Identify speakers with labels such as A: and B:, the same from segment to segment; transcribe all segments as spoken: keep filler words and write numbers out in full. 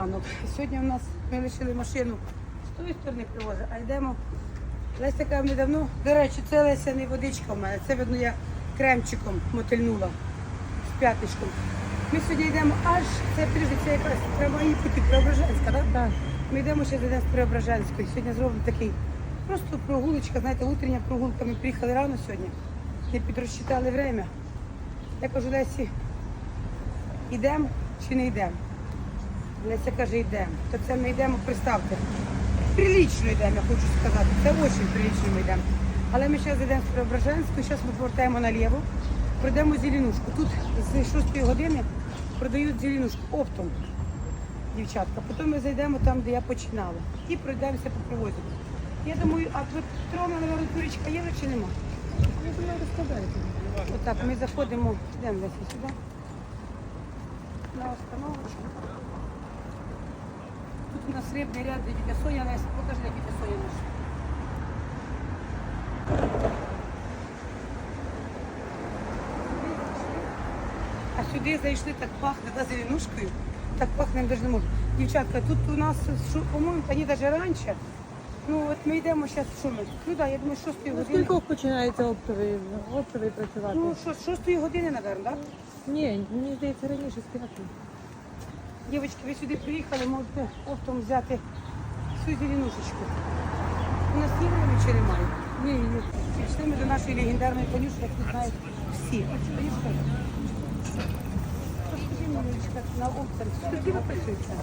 A: ранок. Сьогодні у нас ми лишили машину з тої сторони привозу, а йдемо. Леся каже, мені давно, до речі, це Леся не водичка в мене, це видно я кремчиком мотильнула з п'ятничком. Ми сьогодні йдемо аж, це підожди, це якраз прямо її пути, Преображенська, так?
B: Так.
A: Ми йдемо ще йдемо з Преображенської. Сьогодні зробимо такий просто прогулочка, знаєте, утрення прогулка. Ми приїхали рано сьогодні, не підрозчитали время. Я кажу, Лесі, йдемо чи не йдемо? Леся каже, йдемо. То це ми йдемо, представте, прилічно йдемо, я хочу сказати. Це дуже прилічно ми йдемо. Але ми зараз йдемо з Преображенської, зараз ми повертаємо наліво, пройдемо зеленушку. Тут з шостої години продають зеленушку оптом, дівчатка. Потім ми зайдемо там, де я починала. І пройдемося по привозі. Я думаю, а тут трона, наверное, туречка є чи нема?
B: Я думаю, розкладаєте.
A: Отак, ми заходимо, йдемо Леся сюди, на остановочку. Тут у нас рибний ряд, де тітя Соня, Леся, покажи, де тітя Соня наша. А сюди зайшли, так пахне, да, зеленушкою, так пахне, навіть не можу. Дівчатка, тут у нас, що, по-моєму, вони навіть раніше. Ну от ми йдемо зараз, що ми? Ну так, я думаю, з шостої
B: Ну,
A: години.
B: скільки починається оптовий, оптовий працювати?
A: Ну, що, з шостої години, напевно, так?
B: Ні, мені здається, раніше з п'ятої.
A: Дівчатки, ви сюди приїхали, можете оптом взяти всю зеленушечку. У нас є время чи немає?
B: Ні, ні.
A: Пішли ми до нашої легендарної конюшки, як тут знають всі. Конюшка. Розкажи мені, Лілечка, на опторі, скільки ви працюєте?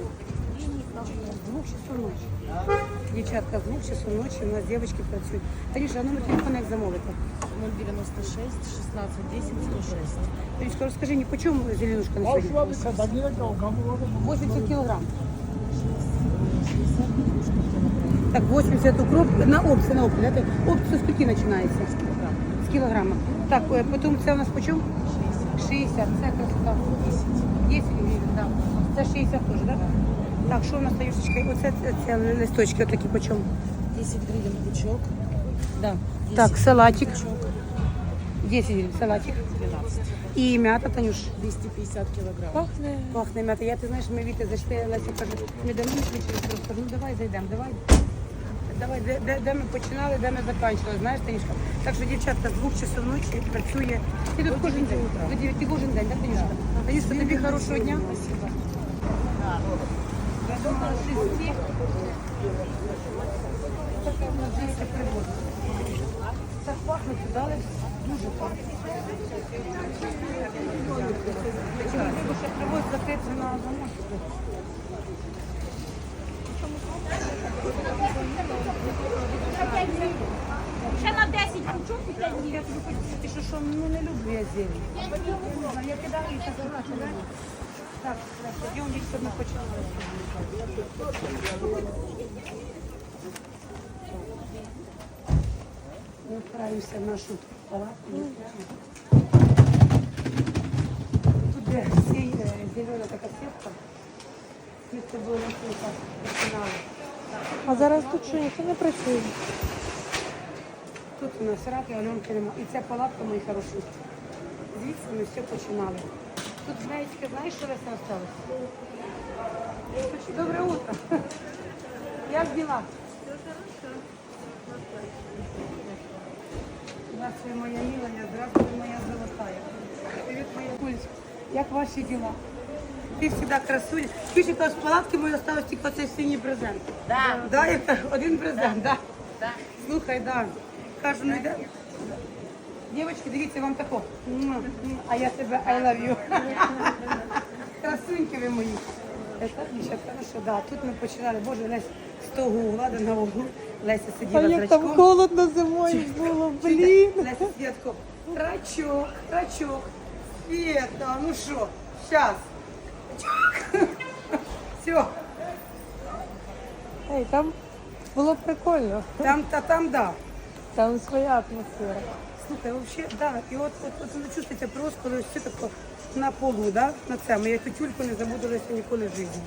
A: З двох часов ночі. Дівчатка, з двох часов ночі у нас дівчатки працюють. Танюша, а номер телефону як замовити?
C: ноль девяносто шесть шестнадцать десять сто шесть.
A: Танюшка, розкажи мені, по чому зеленушка на сьогодні? вісімдесят кілограм. Так, вісімдесят укроп на опцію, на опцію. да? Опцію скільки починається? З кілограма. Так, е, потім це у нас по чому? шістдесят. Це красота. десять гривень, так. Це шістдесят теж, так? Так, що у нас, Танюшечка? Оце це, це листочки отакі по чому?
C: десять гривен пучок. Да.
A: Так, салатик.
C: Пучок.
A: десять гривень, салатик.
C: двенадцать.
A: І м'ята, Танюш.
C: двести пятьдесят килограмм.
B: Пахне.
A: Пахне м'ята. Я, ти знаєш, ми Віти зайшли, Леся каже, ми давно йшли через просто. Ну давай зайдемо, давай. Давай, де, де, де ми починали, де ми закінчили, знаєш, Танюшка? Так що дівчатка з двох часов ночі працює. Ти тут кожен день, до дев'яти кожен день, так, Танюшка? Танюшка, тобі хорошого дня.
C: Спасибо.
A: Я думала, шести. Таке в нас десь привоз. Так пахне, дали, дуже пахне. Треба ще привоз закрити на замок.
D: Ще на десять пучок і п'ять
A: Я тобі хочу сказати, що, що ну, не люблю я зелень. Я кидаю і так кидаю. Так, йдемо, дівчата, ми почали. Ми вправимося в нашу палатку. Тут де всі зелена така сітка. Ми з тобою на кухах починали.
B: А зараз тут що, ніхто не працює?
A: Тут у нас раки, Альонки нема. І ця палатка, мої хороші. Звідси ми все починали. Тут, знаєте, знаєш, що Леся осталось? Доброе утро. Як дела? Здравствуй, моя милая, здравствуй, моя золотая. Привет, моя Кулечка. Як ваші дела? Ти завжди красуня. Скажи, що з палатки мої осталось тільки оцей синій презент.
D: Да.
A: Да, я кажу, один презент, да.
D: Да.
A: Слухай, да. Кажу, ну йде. Дівчатки, дивіться, вам тако. Муа, муа, а я тебе I love you. Красуньки ви мої. Так, дівчатка, ну що, да, тут ми починали. Боже, Лесь з того угла до на углу. Леся
B: А
A: сиділа з
B: як там
A: рачком.
B: холодно зимою було, блін.
A: Леся сиділа тако. Рачок, рачок. Света, ну що, щас. Все,
B: Ей, там було прикольно.
A: там, та там, да.
B: Там своя атмосфера.
A: Слухай, вообще, да, і от, от, от воно чувствується просто, коли все тако на полу, да, на цьому. Я цю тюльку не забудулася ніколи в житті.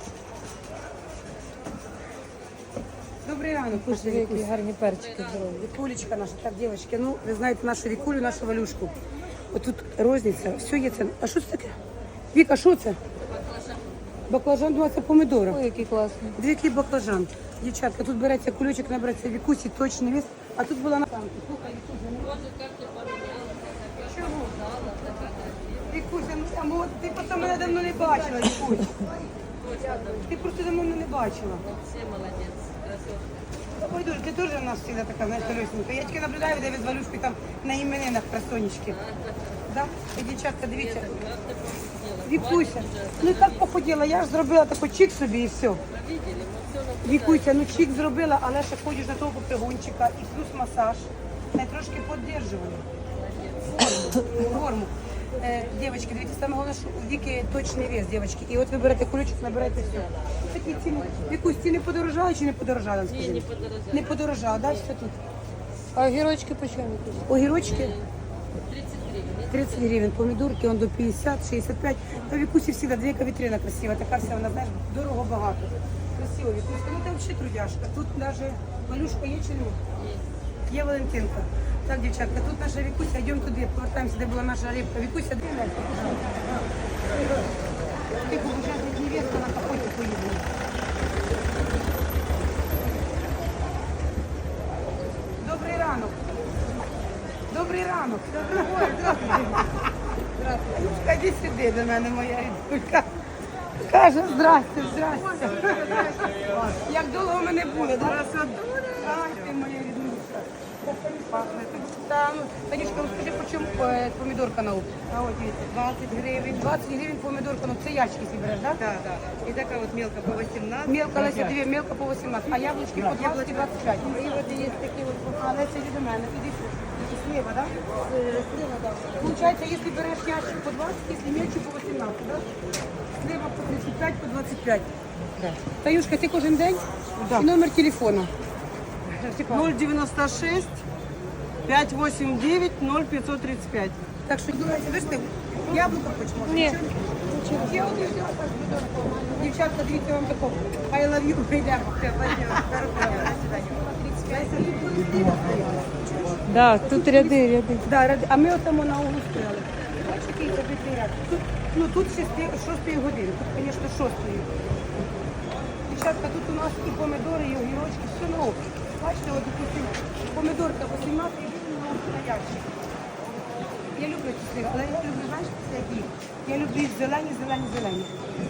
A: Добрий ранок,
B: Слушай,
A: Вікусь.
B: які гарні перчики зробили.
A: Вікулечка наша, так, дівчатки, ну, ви знаєте нашу Вікулю, нашу Валюшку. Отут розниця, все є це. А що це таке? Віка, що це? Баклажан, думаю, це помидори.
B: Ой, який класний.
A: Дві який баклажан. Дівчатка, тут береться кульочок, набереться вікусі, точний вес, а тут була на танку. Слухай, Вікуся, чого? Вікуся, ну там, от, ти просто мене давно не бачила, Вікусь. Ти просто давно мене не бачила.
C: Все молодец, красотка.
A: Ой, дуже, ти теж у нас завжди така, знаєш, лисенька. Я тільки наблюдаю, де ви з Валюшкою там на іменинах красонечки. Да? І дівчатка, дивіться. Вікуся, ну і так похуділа, я ж зробила таку чик собі і все. Вікуся, ну чик зробила, але ще ходиш до того попригончика і плюс масаж. Я трошки підтримую. Форму. Форму. Е, Дівчатки, дивіться, саме головне, що у Віки точний вес, дівчатки. І от ви берете кулючок, набираєте все. Такі ціни. Вікусь, ціни подорожали чи не подорожали?
C: Ні, не подорожали.
A: Не подорожали, да, все тут.
B: А огірочки по чому якісь?
A: Огірочки
C: тридцать гривен.
A: тридцять гривень, помідорки, он до п'ятдесят, шістдесят п'ять. Та Вікусі всегда дві вітрина красива, така вся, вона, знаєш, дорого багато. Красиво, Вікуська, ну ти взагалі трудяшка. Тут навіть Малюшка є чи ні? Є Валентинка. Так, дівчатка, тут наша Вікуся, йдемо туди, повертаємося, де була наша рибка. Вікуся, де вона? Ти побажаєш невестка на капоті поїздила. Добрий ранок. Добрий ранок. Ой, здравствуйте. Здравствуйте. Іди сюди до мене, моя рідулька. Каже, здрасте, здрасте. Як довго мене буде, да? Ай, ти моя рідулька. Пахне. Та, ну, Танюшка, ну скажи, по чому е, помідорка на опт?
E: А вот видите, двадцать гривен.
A: двадцять гривень помідорка, ну це ящики си береш, так?
E: Да, да. И такая вот мелко по восемнадцать.
A: Мелко, Леся, дві, мелко по вісімнадцять, а яблучки по двадцять і двадцять п'ять.
E: И вот есть такие вот
A: А, Леся, іди до мене, іди сюди. Слева, так?
E: э, слева, да.
A: Получается, если берешь ящик по двадцать, если мельче по восемнадцать, да? Слева по тридцать пять, по двадцать пять.
E: Да.
A: Таюшка, ти кожен день?
E: Да.
A: І номер телефону.
E: ноль девяносто шесть пять восемь девять ноль пятьсот тридцать пять.
A: Так що, думаєте, ви ж ти яблуко хоч може?
B: Ні.
A: Нічого? Я от і взяла так, дівчатка, дивіться вам тако. I love you, прийдемо.
B: Да, тут ряди, ряди.
A: Да, ради- а ми отамо на углу стояли. Бачите, який забитий ряд. Тут, ну тут шести- шостої години, тут, звісно, шостої. Дівчатка, тут у нас і помидори, і огірочки, все на опт. Бачите, от допустим, помидорка вісімнадцять гривень на опт на ящик. Я люблю ці сири, але я люблю, знаєш, це які? Я люблю їх зелені, зелені, зелені.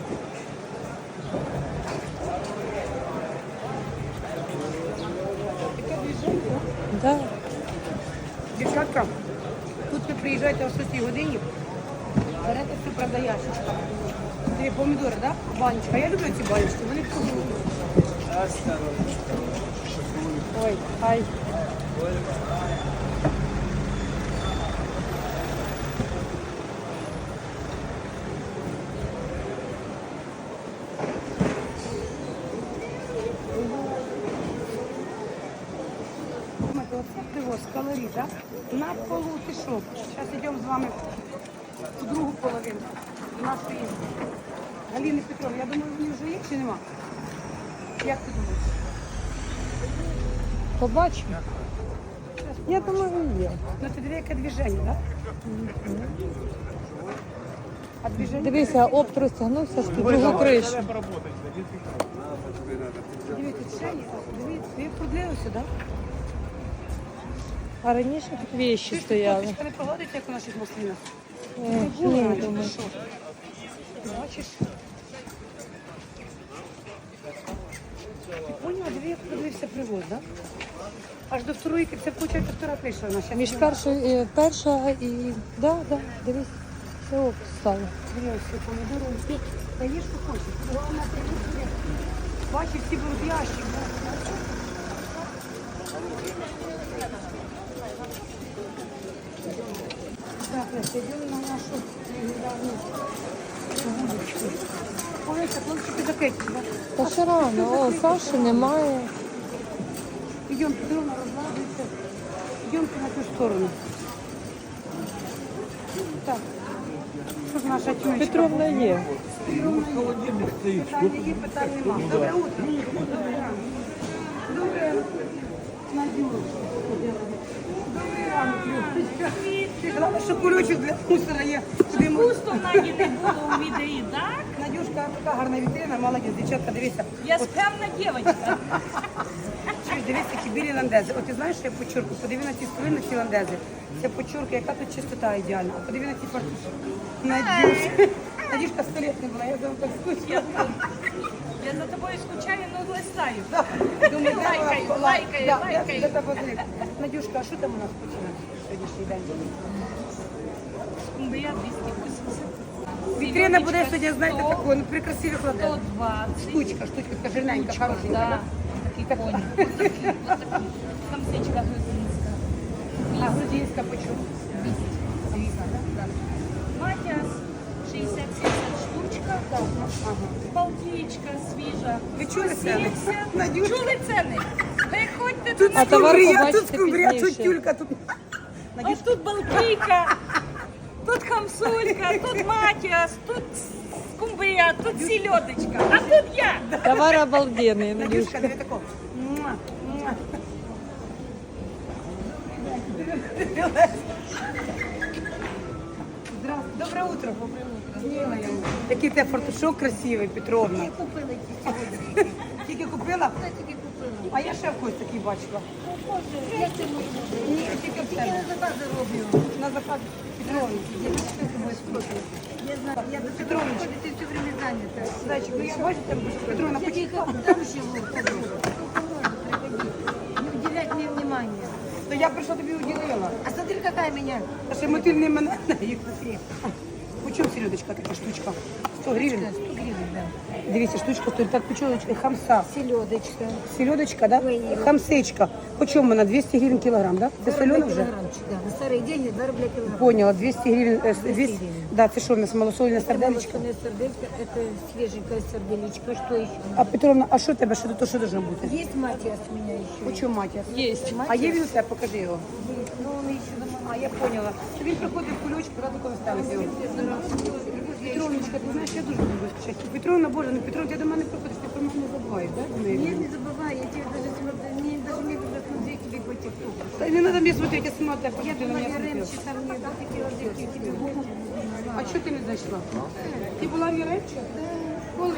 A: Таке движення, да?
B: Да.
A: Дівчатка, тут ви приїжджаєте о шостій годині, берете все, правда, ящичка. Дві помідори, так? Да? Баночка. Я люблю ці баночки, вони вкусні.
B: Ой, ай.
A: Думаєте, оце привоз калорій, так? На полу ти що? Зараз йдемо з вами в другу половину нашої Галини Петровни. Я думаю, вони вже є чи нема? Як ти думаєш?
B: Побачимо. Я думаю, є.
A: Ну ти диви, яке движення, так? А движення?
B: Дивися, опт розтягнувся з під другу кришу.
A: Дивіться, ще є. Дивіться, ви продлився, так?
B: А раніше тут вещі стояли.
A: Коточка не погодиться, як у наших маслинах?
B: Е,
A: Ні,
B: Ні, думаю.
A: що? Бачиш? Ти поняла, диви, як подивився привоз, так? Аж до второї, це виходить втора прийшла наша.
B: Між першою, е, перша і... Да, да, дивись, все опт стало.
A: Дивіться, помідори, всі. Та є, що хочеш. Головне, ти не є. Бачиш, всі беруть ящик. Так, Леся, йдемо на нашу недавню вуличку. Олеся, хлопчики закриті, так?
B: Та ще рано, о, Саші немає.
A: Идем, Петровна разладывается. Идемте на ту сторону. Так. Що ж наша тюнечка?
B: Петровна є.
A: Питання є, питань нема. Добре утро. Добре ранок. Добре. Надюш. Добрий ранок, Любочка. Ти знала, що кульочок для мусора є. Куди ми-
D: Пусто в Наді не було у відеї, так?
A: Надюш, Надюшка, така гарна вітрина, молодець, дівчатка, дивися.
D: Я
A: От,
D: справна дівчинка.
A: чуєш, дивись, які білі ландези. От ти знаєш, що я почурку? Подиви на ці спини, на ці ландези. Це почурка, яка тут чистота ідеальна. А подиви на ці фартушки. Надюшка. Надюшка сто лет не була, я за вами так скучила.
D: Я за тобою скучаю, ну листаю.
A: Думаю,
D: Лайкаю,
A: да,
D: лайкаю,
A: да,
D: лайкаю.
A: я тебе знаю. Надюшка, а що там у нас починає сьогоднішній день?
D: Скумбрія двісті вісімдесят.
A: Вітрина буде сьогодні, знаєте,
D: сто,
A: такою, ну при красивих
D: сто
A: ландезах.
D: двадцять.
A: Штучка, штучка, така жирненька, хорошенька.
D: Да.
A: да? Такий так.
D: Камсичка грузинська.
A: А грузинська почему?
D: Матіас шістдесят сімдесят штучка. Балтієчка свіжа.
A: Ви чули
D: сто
A: ціни?
D: сімдесят.
A: Надюшка.
D: Чули ціни? Виходьте
A: Тут
D: до нас.
B: товар
A: скумбрія, тут
B: побачите
A: скумбрія, тут
B: пізніше.
A: тюлька, тут...
D: Ось тут Балтійка, тут хамсулька, тут матіас, тут скумбрія, тут сільодочка, а тут я.
B: Товар обалденный,
A: Надюшка,
B: Надюшка.
A: диви тако. Муа, муа. Здравствуй, доброе утро. Милая. Який тебе фартушок красивий, Петровна.
D: Купили
A: Тільки купила?
D: тільки купила.
A: А я ще когось такий бачила.
D: Боже, як це можна?
A: Ні, тільки в
D: Я
A: тебе.
D: на закази роблю.
A: На заказ Петровна.
D: Я знаю, я до цього
A: Петровночка.
D: ти все время зайнята.
A: Зайчик, ну я бачу там Петровна,
D: Я
A: почекай.
D: тебе дам ще приходи. Не уделять мне внимания.
A: То я прийшла тобі уділила.
D: А смотри, какая меня.
A: А ще мотиль не мене. Почем селедочка така штучка? сто гривень?
D: сто гривен, да.
A: Дивіться, штучка стоїть. Так, почем хамса?
D: Селедочка.
A: Селедочка, да?
D: Ой.
A: Хамсечка. Почем вона? двісті гривень кілограм, да? Це солена вже?
D: Килограммчик, да. На старые деньги два рубля килограмм.
A: Поняла, двісті гривень. е, двісті.
D: гривень.
A: Да, це що в нас, малосольне сарделечко?
D: Молочное сердечко, это свеженькая сарделечка. Что еще?
A: А Петровна, а що тебе? Що то що должно бути?
D: Есть матиас у меня еще.
A: Почем матір?
B: Есть.
A: А є він у тебе? Покажи його.
D: Есть, но он еще дома.
A: А, я поняла. Він приходить в кульочку, раду коли ставить його. Петровночка, ти знаєш, я дуже люблю скучати. Петровна, Боже, ну Петровна, ти до мене приходиш, ти про мене не забуваєш, да? до неї?
D: Нет, не забывай, я тебе даже смотрю, мне даже не буду смотреть тебе по тиктоку.
A: Та не треба мені смотрети, я сама тебе
D: Я
A: посмотрю, на
D: была
A: мене смотрела.
D: Яремчи, там мне такие розетки, я тебе голову
A: А чого ти не зайшла? Ти була в Яремчі? Коли?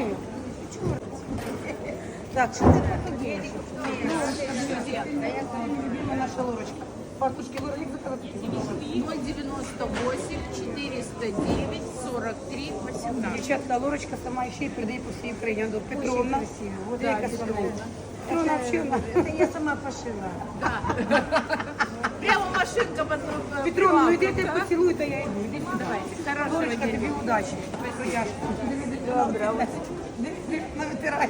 A: Так, що ти приходиш? Любима наша Лорочка. Фартушки Лора, як заказати?
C: ноль девяносто восемь четыреста девять сорок три восемнадцать.
A: Дівчатка, Лорочка сама ще й передає по всій Україні. До Петровна.
D: Вот
A: Ти яка сама. Петровна взагалі вона.
D: Это я сама пошила.
C: Прямо машинка под
A: Петровна, ну йди ти поцілуй, та я йду. Іди сюди.
C: Хорошего
A: Лорочка,
C: дня.
A: тобі удачі. Добре. Навитирається.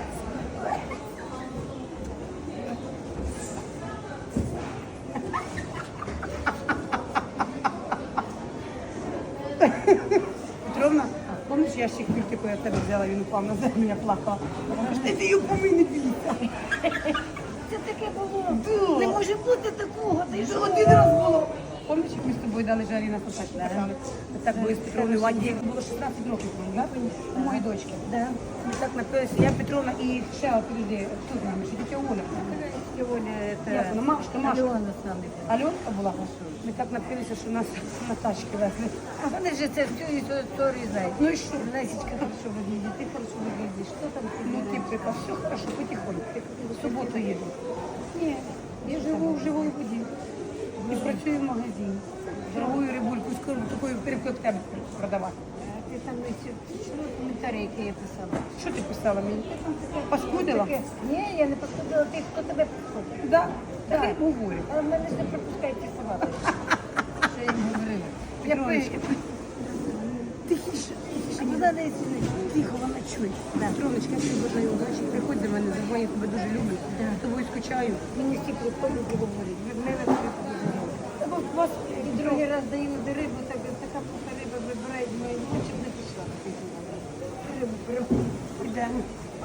A: Петровна, помниш ящик пільки, яку я в тебе взяла, він упав на землю, я плакала. Вона каже, ти його помий, не бійся.
D: Це таке було. Не може бути такого. Ти
A: Що один раз було? Помниш, як ми з тобою дали жарі на сосач? Так були з Петровною в Анді. Було шістнадцять років, так? У моєї дочки.
D: Да.
A: Ми так напилися, я Петровна і ще от люди, хто з нами, ще тітя Оля.
D: Сегодня
A: Як
D: это
A: вона, Машка, Машка.
D: Алена с нами.
A: Альонка була? Ми так напилися, що нас на тачки везли.
D: Вони же це всю історію знають.
A: Ну і що?
D: Насечка хорошо выглядит, ты хорошо выглядишь. Что там ты
A: Ну ти приказ, все хорошо, потихоньку. В суботу їду. Ні, я живу в живій воді. І працюю в магазині. Торгую рибульку, скоро такою рибку як тебе продавати.
D: Ти там ще чому коментарі, які я писала?
A: Що ти писала мені? Паскудила?
D: Таке, ні, я не паскудила тих, хто тебе паскудив.
A: Да, так
D: Да.
A: я говорю.
D: Але мене ж не пропускають ті слова. Що я їм говорила. Я
A: Петровночка,
D: пишу.
A: тихіше,
D: А вона не сидить.
A: тихо, вона чує. Петровночка, я тобі бажаю удачі. Приходь до мене, забувай, я тебе дуже люблю. З тобою скучаю.
D: Мені всі приходять і говорять. Від мене все говорять.
A: Та бо у вас
D: І другий раз даю до рибу, так, така пуха риба вибирає, думаю, ну, щоб не пішла. Рибу прямо.
A: Ідемо.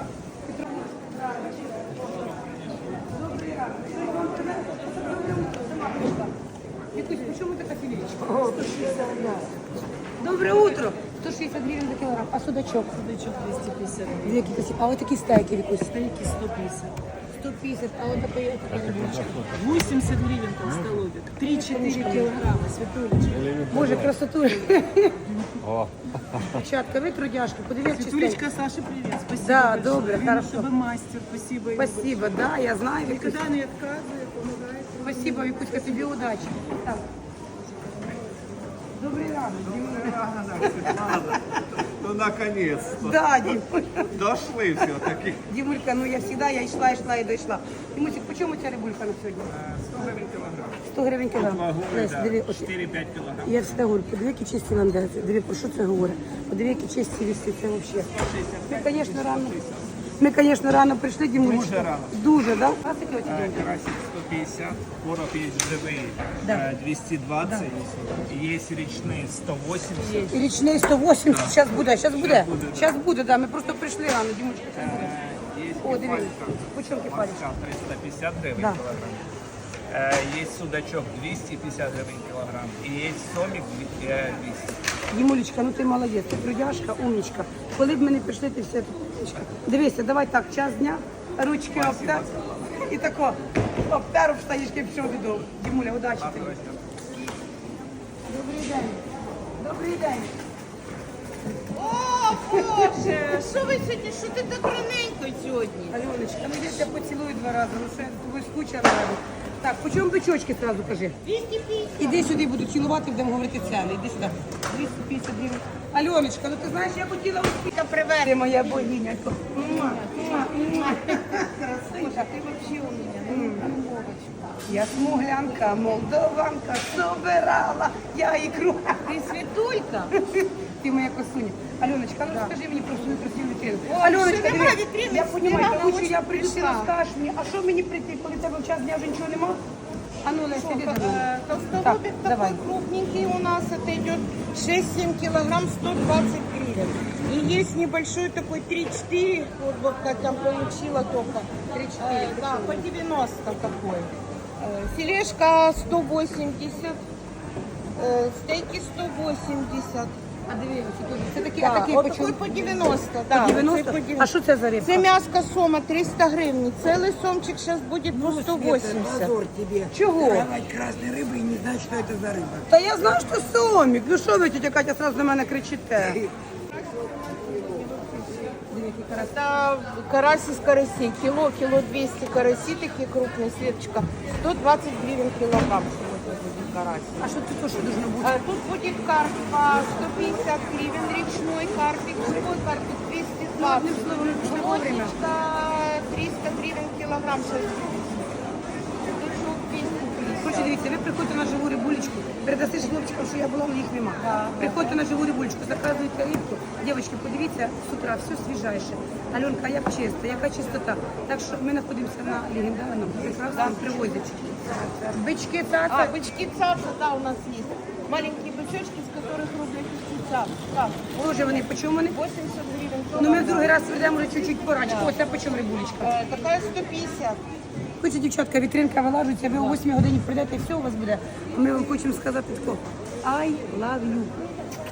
A: Якусь, по чому така філічка? Доброе утро. сто шістдесят гривень за кілограм. А судачок?
C: Судачок двести пятьдесят.
A: Які красиві. А ось такі стейки якусь.
C: Стейки сто пятьдесят.
A: сто пятьдесят, а вот такой
F: восемьдесят гривен толстолобик. три-четыре килограмма, Светулечка.
A: Боже, красоту. Дівчатка, ви трудяшки, подивіться
F: Светулечка,
A: чистенько.
F: Саше, привет. Спасибо
A: Да,
F: большое.
A: добре,
F: Видно,
A: хорошо.
F: что вы мастер. Спасибо. Игорь.
A: Спасибо, да, я знаю. Вікусь.
F: Никогда не отказываю, помогает.
A: Спасибо, Вікуська, тобі удачі. Так. Добрий ранок.
G: Ну, наконец-то.
A: Да, Дім.
G: Дошли все-таки.
A: Дімулька, ну я завжди, я йшла, йшла і дійшла. Дімусик, по чому ця рибулька на сьогодні?
G: сто гривень кілограм.
A: сто гривень кілограм. Лесь, диви, от
G: чотири-п'ять кілограм.
A: я всегда говорю, подиви, які чисті ландези. Диви, про що це говорить? Подиви, які чисті ліси, це взагалі. Ми, звісно, рано. Ми, звісно, рано прийшли, Дімулечка.
G: Дуже рано.
A: Дуже, да? А такі оці
G: Э,
A: дімки?
G: Карасик сто пятьдесят, короб есть живые
A: Да.
G: э, двести двадцать, есть речные сто восемьдесят.
A: І річний сто вісімдесят, зараз буде, зараз буде.
G: Щас буде, да.
A: Зараз буде, да. Ми просто прийшли рано, Дімулечка. щас буде.
G: Э, Есть
A: О, диви,
G: кефалька.
A: по чому кефалічка?
G: Маска триста пятьдесят гривен
A: Да.
G: килограмм. Э, Есть судачок двести пятьдесят гривен килограмм. И есть сомик э, двести.
A: Дімулечка, ну ти молодець, ти трудяшка, умничка. Коли б ми не прийшли, ти все тут умничка. Дивися, давай так, час дня, ручки обтер. І тако, обтер, штанішки і пішов додому. Дімуля, удачі тобі. Добрий день. Добрий день.
C: О, Боже, що ви сьогодні, що ти так раненько сьогодні?
A: Альоночка, ну я тебе поцілую два рази, ну що я з тобою скучила раді. Так, по чому бичочки одразу кажи?
C: двісті п'ятдесят.
A: Іди сюди, буду цілувати, будемо говорити ціни. Іди сюди. двісті п'ятдесят гривень. Альоночка, ну ти знаєш, я хотіла успіха привезти. Ти моя богиня. Муа, муа, муа. Красуня, ти взагалі у мене. Я смуглянка, молдованка, собирала я ікру.
C: Ти Світулька?
A: Ти моя косуня. Альоночка, ну скажи мені про свою красиву вітрину.
C: Ой,
A: Альоночка,
C: що нема
A: диви,
C: вітрини,
A: я розумію,
C: вона
A: тому що
C: очень
A: я прийду, ти
C: прийшла.
A: розкажеш мені, а що мені прийти, коли в тебе в час дня вже нічого нема? А ну, Леся, іди до мене.
C: Толстолобик
A: Так, давай.
C: такой крупненький у нас, это идет шесть-семь килограмм, сто двадцать гривен. И есть небольшой такой три-четыре, вот, вот как я получила только.
A: три-четыре,
C: Э, да, по девяносто такой. Э, Филешка сто восемьдесят, э, стейки сто восемьдесят.
A: А диви, це такий,
C: Да,
A: а такий
C: вот
A: по чому?
C: такой по девяносто,
A: По
C: да.
A: девяносто?
C: оцей по
A: А
C: девяносто.
A: що це за рибка?
C: Це мяско сома триста гривен. Целый сомчик сейчас будет по сто восемьдесят.
A: Чого?
H: Красной рыбы и не знать, что это за рыба.
A: Та я знаю, що сомік. Ну що ви, тетя Катя, сразу на мене кричите?
C: Это карась из карасей. Кило, кило двести караси, такие крупные, Светочка. сто двадцать гривен килограмм сегодня будет карась.
A: А що тут що должно бути?
C: А тут будет карп по сто пятьдесят гривен, речной карпик, живой карпик двести двадцать.
A: одним словом, не пішло вовремя.
C: Плотничка триста гривен килограмм сейчас. Дучок двести
A: Короче,
C: пятьдесят.
A: дивіться, ви приходьте на живу рибулечку, передаси ж хлопчикам, що я була, але їх нема. Приходьте на живу рибулечку, заказуйте рибку. Дівчатки, подивіться, з утра все свіжайше. Альонка, як чисто, яка чистота. Так що ми знаходимося на легендарному, прекрасному привозі. Бички,
C: А,
A: цаца.
C: бычки цапса, да, у нас есть. Маленькие бычочки, с которых рублей пятьдесят. Да,
A: Боже, вони, по чому вони?
C: восемьдесят гривен.
A: Ну ми в другий раз ведемо вже чуть-чуть порачку. Оце по чому рибулечка.
C: Э, Такая сто пятьдесят.
A: Хоче, дівчатка, вітринка вилажується, ви о восьмій годині прийдете і все у вас буде. А ми вам хочемо сказати тако. I love you.